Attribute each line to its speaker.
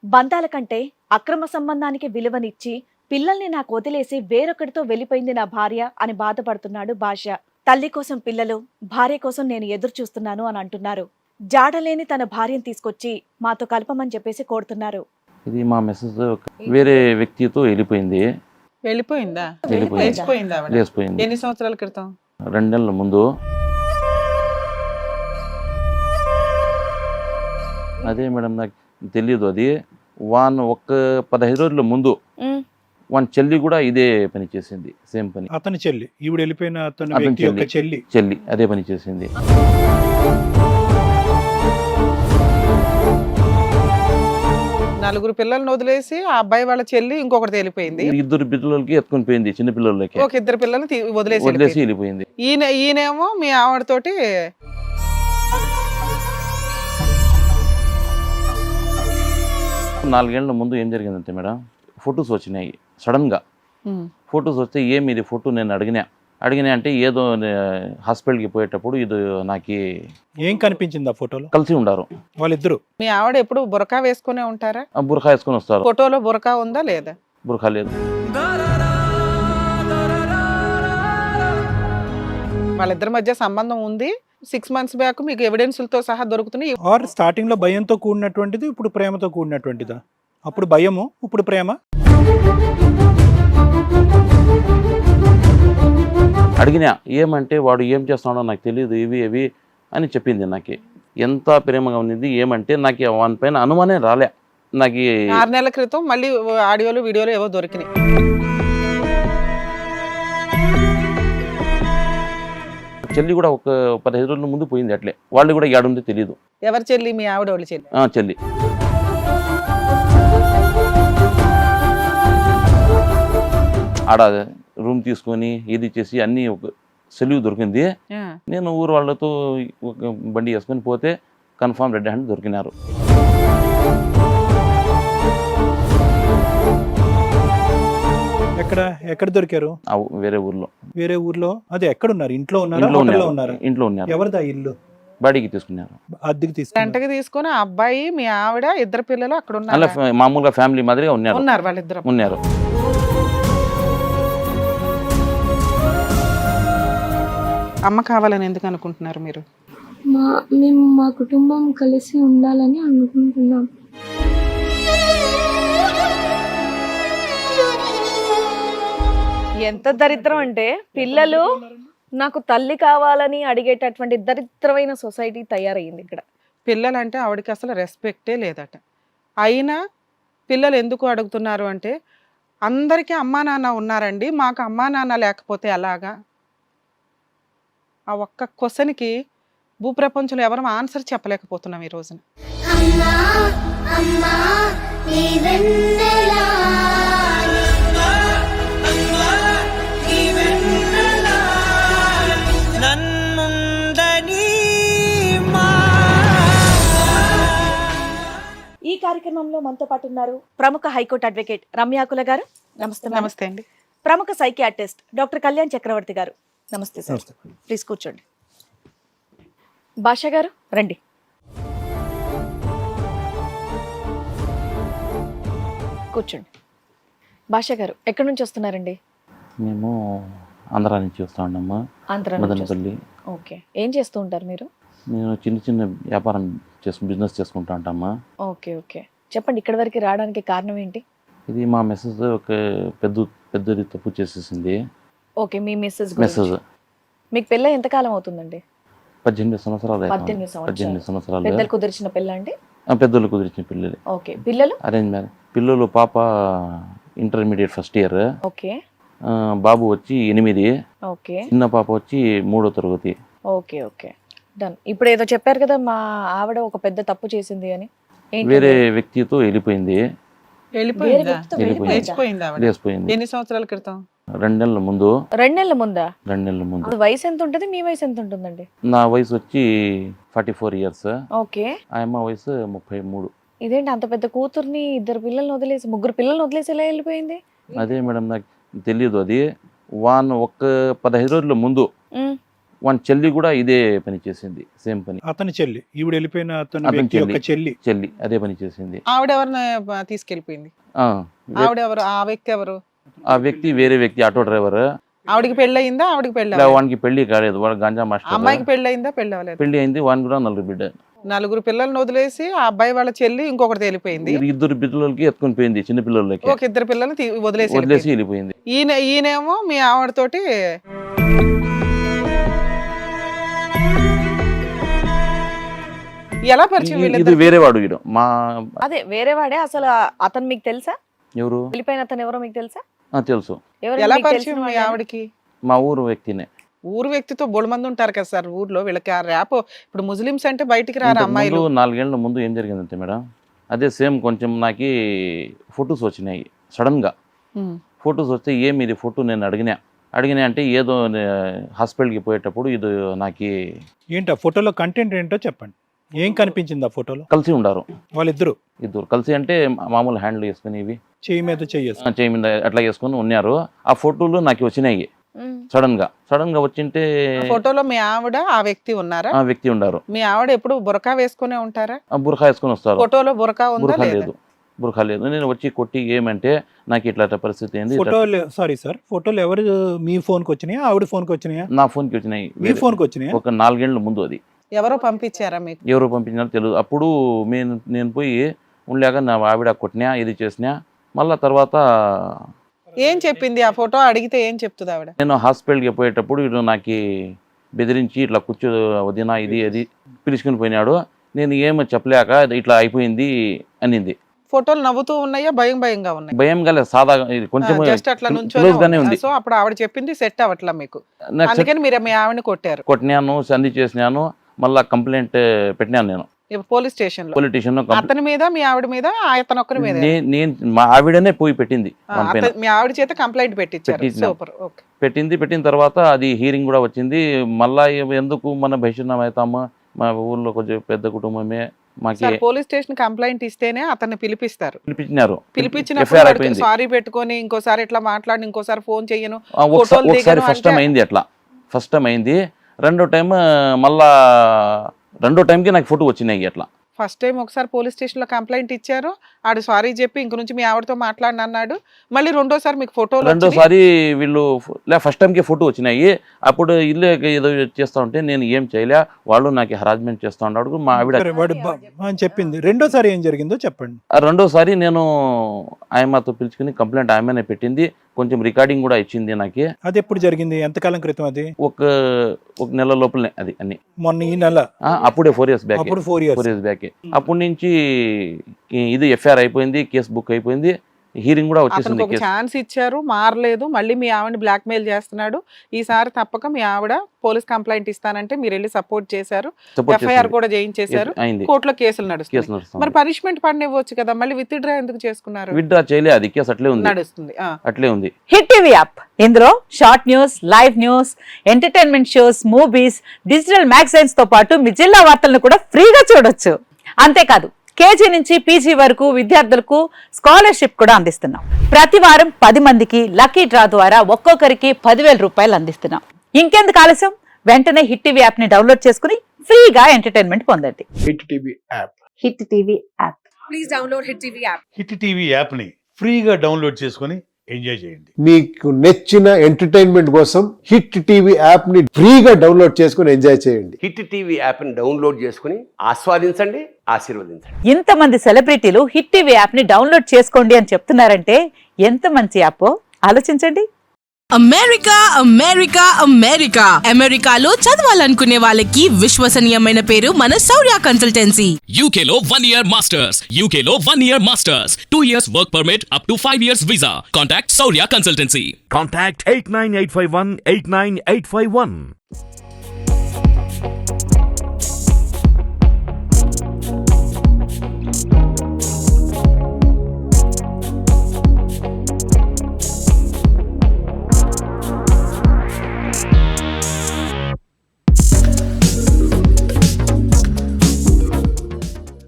Speaker 1: బంధాల కంటే అక్రమ సంబంధానికి విలువనిచ్చి పిల్లల్ని నాకు వదిలేసి వేరొకటితో వెళ్ళిపోయింది నా భార్య అని బాధపడుతున్నాడు భాష. తల్లి కోసం పిల్లలు, భార్య కోసం నేను ఎదురు చూస్తున్నాను అని అంటున్నారు. జాడలేని తన భార్యను తీసుకొచ్చి మాతో కలపమని చెప్పేసి కోరుతున్నారు.
Speaker 2: ఇది మా మెసేజ్ వేరే వ్యక్తితో వెళ్ళిపోయింది.
Speaker 3: వెళ్ళిపోయిందా?
Speaker 2: వెళ్ళిపోయింది.
Speaker 3: లేచిపోయిందా ఆవిడ?
Speaker 2: లేచిపోయింది.
Speaker 3: ఎన్ని సంవత్సరాల క్రితం?
Speaker 2: 2 నెలల ముందు. అదే మేడం నాకు తెలియదు. అది ఒక్క 15 రోజుల ముందు వాని చెల్లి కూడా ఇదే పని చేసింది. సేమ్ పని.
Speaker 4: అతని చెల్లి, ఈవిడ వెళ్ళిపోయిన అతని
Speaker 2: అతని
Speaker 4: వ్యక్తి యొక్క
Speaker 2: చెల్లి అదే పని చేసింది.
Speaker 3: నలుగురు పిల్లల్ని వదిలేసి ఆ అబ్బాయి వాళ్ళ చెల్లి ఇంకొకటి వెళ్ళిపోయింది.
Speaker 2: 2 పిల్లలకి ఎత్తుకొని పోయింది. చిన్న పిల్లలకి
Speaker 3: ఒక 2 పిల్లల్ని వదిలేసి
Speaker 2: వెళ్ళిపోయింది.
Speaker 3: ఈయనేమో మీ ఆవిడతోటి
Speaker 2: 4 ఏళ్ల ముందు ఏం జరిగిందంటే మేడం, ఫొటోస్ వచ్చినాయి సడన్ గా. ఫొటోస్ వస్తే ఏమి ఇది ఫోటో నేను అడిగినా అంటే ఏదో హాస్పిటల్కి పోయేటప్పుడు ఇది నాకు
Speaker 4: ఏం కనిపించింది ఆ ఫోటోలో?
Speaker 2: కలిసి ఉండారు
Speaker 4: వాళ్ళిద్దరు.
Speaker 3: మీ ఆవిడ ఎప్పుడు బురకా వేసుకునే ఉంటారా?
Speaker 2: బుర్ఖా వేసుకొని వస్తారు.
Speaker 3: ఫోటోలో బురకా ఉందా లేదా?
Speaker 2: బుర్ఖా లేదు.
Speaker 3: వాళ్ళిద్దరి మధ్య సంబంధం ఉంది. 6 months బ్యాక్ మీకు ఎవిడెన్స్లతో సహా దొరుకుతున్నాయి.
Speaker 4: ఆర్ స్టార్టింగ్ లో భయంతో కూడినటువంటిది, ఇప్పుడు ప్రేమతో కూడినటువంటిదా? అప్పుడు భయము, ఇప్పుడు ప్రేమ.
Speaker 2: అడిగినా ఏమంటే వాడు ఏం చేస్తున్నాడో నాకు తెలియదు, ఇవి అని చెప్పింది. నాకు ఎంత ప్రేమగా ఉన్నది ఏమంటే నాకు వాని పైన అనుమానం రాలే. నాకు
Speaker 3: 6 నెలల క్రితం మళ్ళీ ఆడియోలు వీడియోలు ఏవో దొరికినాయి.
Speaker 2: చెల్లి కూడా ఒక 15 రోజుల ముందు పోయింది. అట్లే వాళ్ళు కూడా ఏడుందో తెలియదు.
Speaker 3: ఎవరి చెల్లి? మీ ఆవిడ వాళ్ళ చెల్లి.
Speaker 2: చెల్లి ఆడ రూమ్ తీసుకొని ఇది చేసి అన్ని ఒక సెలవు దొరికింది. నేను ఊరు వాళ్ళతో ఒక బండి వేసుకొని పోతే కన్ఫామ్ రెడ్ హ్యాండ్ దొరికినారు.
Speaker 4: ఎక్కడ దొరికారు?
Speaker 2: వేరే ఊర్లో.
Speaker 4: వేరే ఊర్లో? అదే ఎక్కడున్నారు? ఇంట్లో ఉన్నారా?
Speaker 2: ఇంట్లో ఉన్నారు.
Speaker 4: ఎవరిదా ఇల్లు?
Speaker 2: బాడీకి తీసుకున్నారు.
Speaker 4: అద్దెకి తీసుకున్నారు.
Speaker 3: గంటకి తీసుకుని ఆ అబ్బాయి మీ ఆవిడ 2 పిల్లలు అక్కడ
Speaker 2: అలా మామూలుగా ఫ్యామిలీ మాదిరిగా ఉన్నారు.
Speaker 3: వాళ్ళిద్దరు
Speaker 2: ఉన్నారు.
Speaker 3: అమ్మ కావాలని ఎందుకు అనుకుంటున్నారు మీరు?
Speaker 5: మేము మా కుటుంబం కలిసి ఉండాలని అనుకుంటున్నాం.
Speaker 1: ఎంత దరిద్రం అంటే పిల్లలు నాకు తల్లి కావాలని అడిగేటటువంటి దరిద్రమైన సొసైటీ తయారయ్యింది ఇక్కడ.
Speaker 3: పిల్లలంటే ఆవిడకి అసలు రెస్పెక్టే లేదట. అయినా పిల్లలు ఎందుకు అడుగుతున్నారు అంటే, అందరికీ అమ్మా నాన్న ఉన్నారండి, మాకు అమ్మా నాన్న లేకపోతే ఎలాగా? ఆ ఒక్క క్వశ్చన్కి భూప్రపంచంలో ఎవరు ఆన్సర్ చెప్పలేకపోతున్నాం ఈ రోజున.
Speaker 1: ఈ కార్యక్రమంలో మనతో పాటు ఉన్నారు ప్రముఖ హైకోర్టు అడ్వకేట్ రమ్యాకుల గారు. నమస్తే.
Speaker 3: నమస్తే అండి.
Speaker 1: ప్రముఖ సైకియాట్రిస్ట్ డాక్టర్ కళ్యాణ్ చక్రవర్తి గారు. నమస్తే సార్. ప్లీజ్ కూర్చోండి. భాష గారు రండి. కూర్చోండి. భాష గారు ఎక్కడి నుంచి వస్తున్నారండి?
Speaker 2: మేము ఆంధ్రా నుంచి వస్తా ఉన్నాము. మదనపల్లి.
Speaker 1: ఓకే. ఏం చేస్తూ ఉంటారు మీరు?
Speaker 2: నేను చిన్న వ్యాపారం బిజినెస్ చేసుకుంటా ఉంటామా.
Speaker 1: Okay okay. చెప్పండి, ఇక్కడ వరకు రావడానికి కారణం ఏంటి?
Speaker 2: ఇది మా మెసేజ్ ఒక పెద్దది తప్పు చేసేసింది.
Speaker 1: ఓకే. మీ మెసేజ్. మీకు పెళ్ళ ఎంత కాలం అవుతుందండి?
Speaker 2: 18 సంవత్సరాలు.
Speaker 1: 18 సంవత్సరాలు. పెద్దలు కుదిర్చిన పెళ్ళ అండి?
Speaker 2: పెద్దలు కుదిర్చిన పిల్లలు.
Speaker 1: ఓకే. పిల్లలు?
Speaker 2: Arrange marriage. పిల్లలు పాప ఇంటర్మీడియట్ ఫస్ట్ ఇయర్.
Speaker 1: ఓకే.
Speaker 2: బాబు వచ్చి 8.
Speaker 1: ఓకే.
Speaker 2: చిన్న పాప వచ్చి 3వ తరగతి.
Speaker 1: Okay okay. డన్. ఇప్పుడు ఏదో చెప్పారు కదా, మా ఆవిడ ఒక పెద్ద తప్పు చేసింది అని.
Speaker 2: వేరే వ్యక్తితో వెళ్ళిపోయింది.
Speaker 3: లేచిపోయింది. ఎన్ని సంవత్సరాల క్రితం?
Speaker 2: 2 నెలల ముందు.
Speaker 1: 2 నెలల ముందా?
Speaker 2: 2 నెలల ముందు.
Speaker 1: వయసు ఎంత ఉంటుంది? మీ వయసు ఎంత ఉంటుందండి?
Speaker 2: నా వయసు వచ్చి 44 ఇయర్స్.
Speaker 1: ఓకే.
Speaker 2: ఆ అమ్మ వయసు 33.
Speaker 1: ఇదేంటి అంత పెద్ద కూతుర్ని 2 పిల్లల్ని వదిలేసి 3 పిల్లల్ని వదిలేసి ఎలా వెళ్ళిపోయింది?
Speaker 2: అదే మేడం నాకు తెలియదు. అది ఒక్క 15 రోజుల ముందు వాని చెల్లి కూడా ఇదే పని చేసింది, సేమ్ పని.
Speaker 4: అతని చెల్లి, ఈవిడ వెళ్ళిపోయిన అతని
Speaker 2: అతని
Speaker 4: వ్యక్తి యొక్క చెల్లి
Speaker 2: అదే పని చేసింది.
Speaker 3: ఆవిడ ఎవరిని తీసుకెళ్ళిపోయింది?
Speaker 2: ఆ,
Speaker 3: ఆవిడ ఎవరు? ఆ వ్యక్తి ఎవరు?
Speaker 2: ఆ వ్యక్తి వేరే వ్యక్తి, ఆటో డ్రైవర్.
Speaker 3: ఆవిడకి పెళ్ళయిందా? ఆవిడకి పెళ్ళి
Speaker 2: వానికి పెళ్లి కాలేదు, వాడు గాంజా మాస్టర్.
Speaker 3: అమ్మాయికి పెళ్ళయిందా? పెళ్ళి అవ్వలేదు.
Speaker 2: పెళ్లి అయింది, వానికి కూడా 4 బిడ్డ.
Speaker 3: 4 పిల్లల్ని వదిలేసి ఆ అబ్బాయి వాళ్ళ చెల్లి ఇంకొకటి తేలిపోయింది.
Speaker 2: 2 పిల్లలకి ఎత్తుకొని పోయింది, చిన్న పిల్లలకి.
Speaker 3: ఒక 2 పిల్లల్ని వదిలేసి
Speaker 2: వెళ్ళిపోయింది.
Speaker 3: ఈయనేమో మీ ఆవిడతోటి ఎలా పరిచయం?
Speaker 2: ఇది
Speaker 3: వీళ్ళిద్దరికి?
Speaker 2: వేరే వాడు వీడు మా.
Speaker 1: అదే వేరే వాడే. అసలు అతను మీకు తెలుసా?
Speaker 2: ఎవరు?
Speaker 1: వెళ్ళిపోయిన అతను ఎవరో మీకు తెలుసా?
Speaker 2: తెలుసు.
Speaker 1: ఎవరు
Speaker 3: ఎలా
Speaker 1: మీకు
Speaker 3: పరిచయం
Speaker 1: తెలిసిన
Speaker 3: మీ
Speaker 1: వాళ్ళేనా?
Speaker 3: ఆవిడకి?
Speaker 2: మా ఊరు వ్యక్తినే.
Speaker 3: ఊరు వ్యక్తితో బోడు మంది ఉంటారు కదా సార్ ఊర్లో, వీళ్ళకి ఆ ర్యాప్. ఇప్పుడు ముస్లిమ్స్ అంటే బయటికి రారు అమ్మాయిలు.
Speaker 2: 4 ఏళ్ల ముందు ఏం జరిగిందంటే మేడం, అదే సేమ్ కొంచెం నాకు ఫొటోస్ వచ్చినాయి సడన్ గా. ఫొటోస్ వస్తే ఏమి ఇది ఫోటో నేను అడిగినా అంటే ఏదో హాస్పిటల్కి పోయేటప్పుడు ఇది నాకు.
Speaker 4: ఏంటి ఆ ఫోటోలో కంటెంట్ ఏంటో చెప్పండి. ఏం కనిపించింది ఆ ఫోటోలో?
Speaker 2: కలిసి ఉండారు
Speaker 4: వాళ్ళిద్దరు.
Speaker 2: ఇద్దరు కలిసి అంటే మామూలు హ్యాండిల్ వేసుకుని ఇవి
Speaker 4: చెయ్యి మీద
Speaker 2: చేయి మీద అట్లా వేసుకుని ఉన్నారు. ఆ ఫోటోలు నాకు వచ్చినాయి సడన్ గా వచ్చింటే.
Speaker 3: ఫోటోలో మీ ఆవిడ ఆ వ్యక్తి ఉన్నారా?
Speaker 2: ఆ వ్యక్తి ఉండారు.
Speaker 3: మీ ఆవిడ ఎప్పుడు బురకా వేసుకునే ఉంటారా?
Speaker 2: బురఖా వేసుకొని వస్తారు.
Speaker 3: ఫోటోలో బురకా ఉందా?
Speaker 2: బురఖా లేదు. నేను వచ్చి కొట్టి ఏమంటే నాకు ఇట్లా పరిస్థితి ఏంది.
Speaker 4: ఫోటోలు సారీ సార్, ఫోటోలు ఎవరు మీ ఫోన్కి వచ్చినాయా, ఆవిడ ఫోన్కి వచ్చినాయా?
Speaker 2: నా ఫోన్కి వచ్చినాయి.
Speaker 4: మీ ఫోన్కి వచ్చినాయా?
Speaker 2: ఒక 4 ఏళ్ల ముందు అది.
Speaker 3: ఎవరో పంపించారా మీకు?
Speaker 2: ఎవరో పంపించినారో తెలియదు. అప్పుడు నేను పోయి ఉండలేక నా ఆవిడ కొట్టినా, ఇది చేసినా. మళ్ళా తర్వాత
Speaker 3: ఏం చెప్పింది? ఆ ఫోటో అడిగితే ఏం చెప్తుంది ఆవిడ?
Speaker 2: నేను హాస్పిటల్కి పోయేటప్పుడు ఇటు నాకు బెదిరించి ఇట్లా కూర్చో వదినా ఇది అది పిలుచుకుని పోయినాడు. నేను ఏమో చెప్పలేక ఇట్లా అయిపోయింది అనింది.
Speaker 3: ఫోటోలు నవ్వుతూ ఉన్నాయా? భయంగా ఉన్నాయి?
Speaker 2: భయం కాలేదు, సాదా కొంచెం
Speaker 3: జస్ట్ అట్లా
Speaker 2: క్లోజ్ గానే ఉంది.
Speaker 3: సో అప్పుడు ఆవిడ చెప్పింది సెట్ అవ్వట్లా మీకు, అందుకని మీరు మీ ఆవిడని
Speaker 2: కొట్టినాను, సంధి చేసినాను. మళ్ళా కంప్లైంట్ పెట్టినాను నేను
Speaker 3: పోలీస్ స్టేషన్ లో.
Speaker 2: పొలిటీషియన్
Speaker 3: అతని మీద మీ ఆవిడ మీద అతను ఒక్కరి మీద?
Speaker 2: నేను మా ఆవిడనే పోయి పెట్టింది.
Speaker 3: మీ ఆవిడ చేత కంప్లైంట్ పెట్టించారు. సూపర్. ఓకే.
Speaker 2: పెట్టిన తర్వాత అది హీరింగ్ కూడా వచ్చింది. మళ్ళా ఎందుకు మన భవిష్యత్తులో అవుతాము, మా ఊర్లో కొంచెం పెద్ద కుటుంబమే మాకి.
Speaker 3: పోలీస్ స్టేషన్ కంప్లైంట్ ఇస్తేనే అతన్ని
Speaker 2: పిలిపించినారు.
Speaker 3: పిలిపించినప్పుడు సారీ పెట్టుకొని ఇంకోసారి ఇట్లా మాట్లాడి ఇంకోసారి ఫోన్ చెయ్యను.
Speaker 2: ఒకసారి ఫస్ట్ టైం అయింది అట్లా. ఫస్ట్ టైం అయింది. రెండో టైం మళ్ళా రెండో టైంకి నాకు ఫోటో వచ్చినాయి అట్లా.
Speaker 3: ఫస్ట్ టైం ఒకసారి పోలీస్ స్టేషన్ లో కంప్లైంట్ ఇచ్చారు, ఆడు సారీ చెప్పి ఇంక నుంచి మీ ఆవిడతో మాట్లాడిన అన్నాడు. మళ్ళీ రెండోసారి మీకు ఫోటోలు?
Speaker 2: రెండోసారి వీళ్ళు ఫస్ట్ టైంకి ఫోటో వచ్చినాయి. అప్పుడు ఇల్లు ఏదో చేస్తా ఉంటే నేను ఏం చేయలే, వాళ్ళు నాకు హరాస్మెంట్ చేస్తా ఉన్నాడు మా ఆవిడ
Speaker 4: అని చెప్పింది. రెండోసారి ఏం జరిగిందో చెప్పండి.
Speaker 2: రెండోసారి నేను ఆయమ్మతో పిలుచుకుని కంప్లైంట్ ఆయమ్మనే పెట్టింది. కొంచెం రికార్డింగ్ కూడా ఇచ్చింది నాకు.
Speaker 4: అది ఎప్పుడు జరిగింది? ఎంతకాలం క్రితం? అది
Speaker 2: ఒక నెల లోపలనే అది అన్ని.
Speaker 4: మొన్న ఈ నెల?
Speaker 2: అప్పుడే 4 years బ్యాక్.
Speaker 4: అప్పుడు 4 years
Speaker 2: బ్యాక్. అప్పటి నుంచి ఇది ఎఫ్ఐఆర్ అయిపోయింది, కేసు బుక్ అయిపోయింది, హీరింగ్ కూడా వచ్చేసింది.
Speaker 3: ఛాన్స్ ఇచ్చారు, మారలేదు, మళ్ళీ మీ ఆవిడని బ్లాక్ మెయిల్ చేస్తున్నాడు. ఈసారి తప్పక మీ ఆవిడ పోలీస్ కంప్లైంట్ ఇస్తానంటే మీరు వెళ్ళి సపోర్ట్ చేశారు, ఎఫ్ఐఆర్ కూడా చేయించేశారు, కోర్టులో కేసులు నడుస్తుంది. మరి పనిష్మెంట్ పడినివ్వచ్చు కదా, మళ్ళీ విత్ డ్రా ఎందుకు చేసుకున్నారు?
Speaker 2: విత్డ్రా చేయలే, అది కేసు అట్లే ఉంది,
Speaker 3: నడుస్తుంది.
Speaker 2: అట్లే ఉంది.
Speaker 6: హిట్ టీవీ యాప్, ఇందులో short news, live news, entertainment shows, movies, digital magazines తో పాటు మీ జిల్లా వార్తలను కూడా ఫ్రీగా చూడొచ్చు. అంతేకాదు కేజీ నుంచి పీజీ వరకు విద్యార్థులకు స్కాలర్షిప్ కూడా అందిస్తున్నాం. ప్రతి వారం 10 మందికి లక్కీ డ్రా ద్వారా ఒక్కొక్కరికి 10,000 రూపాయలు అందిస్తున్నాం. ఇంకెందుకు ఆలస్యం, వెంటనే హిట్ టీవీ యాప్ ని డౌన్లోడ్ చేసుకుని ఫ్రీగా ఎంటర్టైన్మెంట్ పొందండి.
Speaker 7: Hit TV app.
Speaker 6: Hit TV app.
Speaker 8: Please download Hit TV app.
Speaker 7: Hit TV app ని ఫ్రీగా డౌన్లోడ్ చేసుకొని ఎంజాయ్ చేయండి.
Speaker 9: మీకు నచ్చిన ఎంటర్టైన్మెంట్ కోసం హిట్ టీవీ యాప్ ని ఫ్రీగా డౌన్లోడ్ చేసుకొని ఎంజాయ్ చేయండి.
Speaker 10: హిట్ టీవీ యాప్ ని డౌన్లోడ్ చేసుకుని ఆస్వాదించండి, ఆశీర్వదించండి.
Speaker 6: ఇంతమంది సెలబ్రిటీలు హిట్ టీవీ యాప్ ని డౌన్లోడ్ చేసుకోండి అని చెప్తున్నారంటే ఎంత మంచి యాప్ ఆలోచించండి.
Speaker 8: అమెరికా అమెరికా అమెరికా అమెరికాలో చదవాలనుకునే వాళ్ళకి విశ్వసనీయమైన పేరు మన శౌర్య కన్సల్టెన్సీ.
Speaker 11: UK లో 1 year masters, UK లో 1 year masters, 2 years work permit up to 5 years visa. Contact Saurya Consultancy.
Speaker 12: Contact 89851 89851.